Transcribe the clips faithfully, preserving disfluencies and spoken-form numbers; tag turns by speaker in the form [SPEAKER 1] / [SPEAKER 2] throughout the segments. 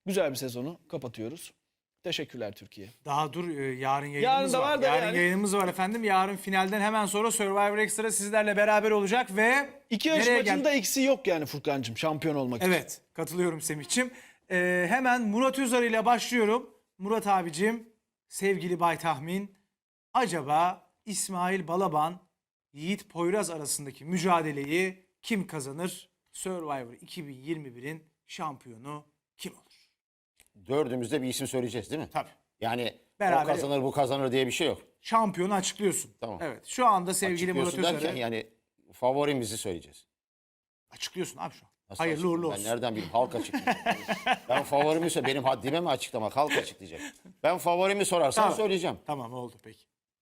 [SPEAKER 1] güzel bir sezonu kapatıyoruz. Teşekkürler Türkiye.
[SPEAKER 2] Daha dur, e, yarın yayınımız
[SPEAKER 1] Yarın da
[SPEAKER 2] var.
[SPEAKER 1] var da
[SPEAKER 2] yarın
[SPEAKER 1] yani.
[SPEAKER 2] yayınımız var efendim. Yarın finalden hemen sonra Survivor Extra sizlerle beraber olacak ve
[SPEAKER 1] İki yarış
[SPEAKER 2] nereye
[SPEAKER 1] maçında
[SPEAKER 2] gel-
[SPEAKER 1] eksiği yok yani Furkan'cığım şampiyon olmak için.
[SPEAKER 2] Evet, katılıyorum Semih'ciğim. Ee, hemen Murat Özar ile başlıyorum. Murat abicim, sevgili Bay Tahmin, acaba İsmail Balaban, Yiğit Poyraz arasındaki mücadeleyi kim kazanır? Survivor iki bin yirmi birin şampiyonu kim olur?
[SPEAKER 3] Dördümüzde bir isim söyleyeceğiz değil mi?
[SPEAKER 2] Tabii.
[SPEAKER 3] Yani
[SPEAKER 2] Beraber-
[SPEAKER 3] o kazanır bu kazanır diye bir şey yok.
[SPEAKER 2] Şampiyonu açıklıyorsun.
[SPEAKER 3] Tamam.
[SPEAKER 2] Evet, şu anda sevgili Murat
[SPEAKER 3] Açıklıyorsun
[SPEAKER 2] Özar'ı
[SPEAKER 3] derken yani favorimizi söyleyeceğiz.
[SPEAKER 2] açıklıyorsun abi şu an.
[SPEAKER 3] Nasıl
[SPEAKER 2] Hayırlı
[SPEAKER 3] açıklayayım?
[SPEAKER 2] uğurlu
[SPEAKER 3] Ben
[SPEAKER 2] olsun.
[SPEAKER 3] nereden bileyim? Halk açıklayacak. Ben favorimi söyle. Benim haddime mi açıklamak? Halk açıklayacak. Ben favorimi sorarsan
[SPEAKER 2] Tamam.
[SPEAKER 3] söyleyeceğim.
[SPEAKER 2] Tamam, oldu peki.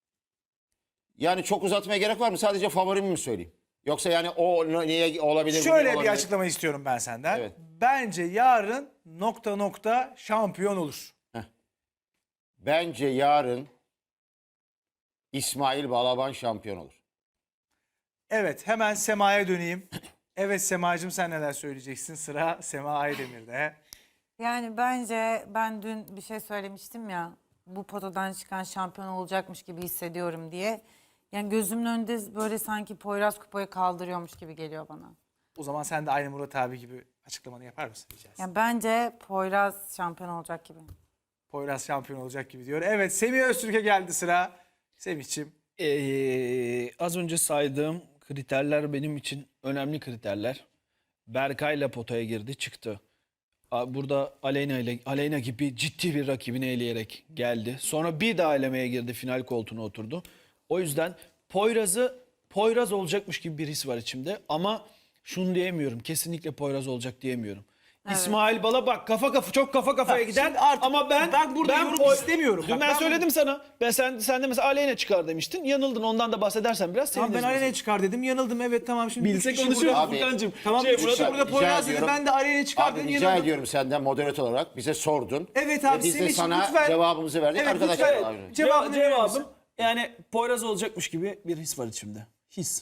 [SPEAKER 3] Yani çok uzatmaya gerek var mı? Sadece favorimi mi söyleyeyim? Yoksa yani o niye olabilir? bu
[SPEAKER 2] Şöyle
[SPEAKER 3] niye
[SPEAKER 2] bir
[SPEAKER 3] olabilir?
[SPEAKER 2] açıklama istiyorum ben senden.
[SPEAKER 3] Evet.
[SPEAKER 2] Bence yarın nokta nokta şampiyon olur.
[SPEAKER 3] Bence yarın İsmail Balaban şampiyon olur.
[SPEAKER 2] Evet, hemen Sema'ya döneyim. Evet Sema'cığım, sen neler söyleyeceksin? Sıra Sema Aydemir'de.
[SPEAKER 4] Yani bence ben dün bir şey söylemiştim ya, bu potadan çıkan şampiyon olacakmış gibi hissediyorum diye. Yani gözümün önünde böyle sanki Poyraz kupayı kaldırıyormuş gibi geliyor bana.
[SPEAKER 2] O zaman sen de aynı Murat abi gibi açıklamanı yapar mısın rica etsem?
[SPEAKER 4] Yani bence Poyraz şampiyon olacak gibi.
[SPEAKER 2] Poyraz şampiyon olacak gibi diyor. Evet, Semih Öztürk'e geldi sıra. Semih'ciğim.
[SPEAKER 1] Ee, az önce saydığım kriterler benim için önemli kriterler. Berkay'la potaya girdi, çıktı. A- Burada Aleyna ile Aleyna gibi ciddi bir rakibini eleyerek geldi. Sonra bir daha elemeye girdi, final koltuğuna oturdu. O yüzden Poyraz'ı Poyraz olacakmış gibi bir his var içimde ama şunu diyemiyorum. Kesinlikle Poyraz olacak diyemiyorum. İsmail Bala bak kafa kafa çok kafa kafaya
[SPEAKER 2] Bak,
[SPEAKER 1] gider
[SPEAKER 2] şimdi artık
[SPEAKER 1] ama ben
[SPEAKER 2] ben burada yorum
[SPEAKER 1] Poy-
[SPEAKER 2] istemiyorum.
[SPEAKER 1] Dün
[SPEAKER 2] Bak,
[SPEAKER 1] ben,
[SPEAKER 2] ben
[SPEAKER 1] söyledim sana. Ben sen sen de mesela Aleyna çıkar demiştin. Yanıldın. Ondan da bahsedersen biraz
[SPEAKER 2] Tamam, ben
[SPEAKER 1] seviniriz.
[SPEAKER 2] Aleyna'ya çıkar dedim. Yanıldım, evet tamam. Şimdi
[SPEAKER 1] Bilsek
[SPEAKER 2] üç kişi
[SPEAKER 1] konuşuyoruz
[SPEAKER 2] burada-
[SPEAKER 3] Abi,
[SPEAKER 1] Furkan'cığım.
[SPEAKER 2] Tamam,
[SPEAKER 1] Şey,
[SPEAKER 2] üç kişi
[SPEAKER 1] Murat'a-
[SPEAKER 2] burada
[SPEAKER 3] rica
[SPEAKER 2] Poyraz dedi.
[SPEAKER 3] ediyorum.
[SPEAKER 2] Ben de Aleyna'ya çıkar
[SPEAKER 3] Abi
[SPEAKER 2] dedim.
[SPEAKER 3] rica
[SPEAKER 2] yanıldım.
[SPEAKER 3] ediyorum senden moderatör olarak bize sordun.
[SPEAKER 2] Evet
[SPEAKER 3] Ve
[SPEAKER 2] abi,
[SPEAKER 3] biz de
[SPEAKER 2] Semih'ciğim
[SPEAKER 3] sana
[SPEAKER 2] lütfen.
[SPEAKER 3] cevabımızı verdik.
[SPEAKER 2] Evet,
[SPEAKER 3] Arkadaşlar
[SPEAKER 2] lütfen.
[SPEAKER 3] abi.
[SPEAKER 2] Cevabını
[SPEAKER 1] Cevabım,
[SPEAKER 2] verir misin?
[SPEAKER 1] yani Poyraz olacakmış gibi bir his var içimde. His.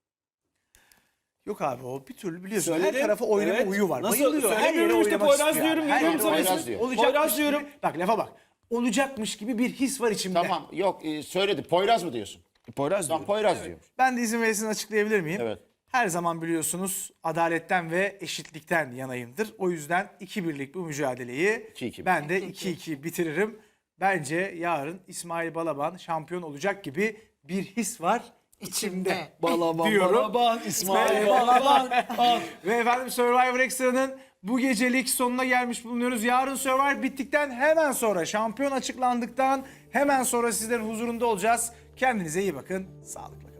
[SPEAKER 2] Yok abi, o bir türlü biliyorsun.
[SPEAKER 1] Söyledim.
[SPEAKER 2] Her tarafa oynama
[SPEAKER 1] Evet.
[SPEAKER 2] uyu var.
[SPEAKER 1] Nasıl?
[SPEAKER 2] Bayılıyor. Her
[SPEAKER 1] Söylemiyorum
[SPEAKER 2] yere
[SPEAKER 1] işte,
[SPEAKER 2] oynamak
[SPEAKER 1] Poyraz
[SPEAKER 2] istiyor
[SPEAKER 1] diyorum,
[SPEAKER 2] yani. Her
[SPEAKER 1] diyorum
[SPEAKER 2] yere
[SPEAKER 1] sana
[SPEAKER 2] oynamak
[SPEAKER 3] ismi.
[SPEAKER 2] istiyor.
[SPEAKER 1] Poyraz
[SPEAKER 2] Olacakmış
[SPEAKER 1] diyorum.
[SPEAKER 2] gibi- Bak lafa bak. Olacakmış gibi bir his var içimde.
[SPEAKER 3] Tamam yok e, söyledi. Poyraz mı diyorsun?
[SPEAKER 1] Poyraz
[SPEAKER 3] Tamam
[SPEAKER 1] diyorum.
[SPEAKER 3] Poyraz diyor.
[SPEAKER 2] Ben de izin verirseniz açıklayabilir miyim?
[SPEAKER 3] Evet.
[SPEAKER 2] Her zaman biliyorsunuz adaletten ve eşitlikten yanayımdır. O yüzden iki birlik bu mücadeleyi
[SPEAKER 3] iki iki.
[SPEAKER 2] ben de iki iki bitiririm. Bence yarın İsmail Balaban şampiyon olacak gibi bir his var içimde.
[SPEAKER 4] İçimde.
[SPEAKER 1] Balaban,
[SPEAKER 2] Diyorum.
[SPEAKER 1] Balaban, İsmail
[SPEAKER 2] İsmail
[SPEAKER 1] Balaban. Al.
[SPEAKER 2] Ve efendim Survivor Extra'nın bu gecelik sonuna gelmiş bulunuyoruz. Yarın Survivor bittikten hemen sonra, şampiyon açıklandıktan hemen sonra sizlerin huzurunda olacağız. Kendinize iyi bakın. Sağlıklı.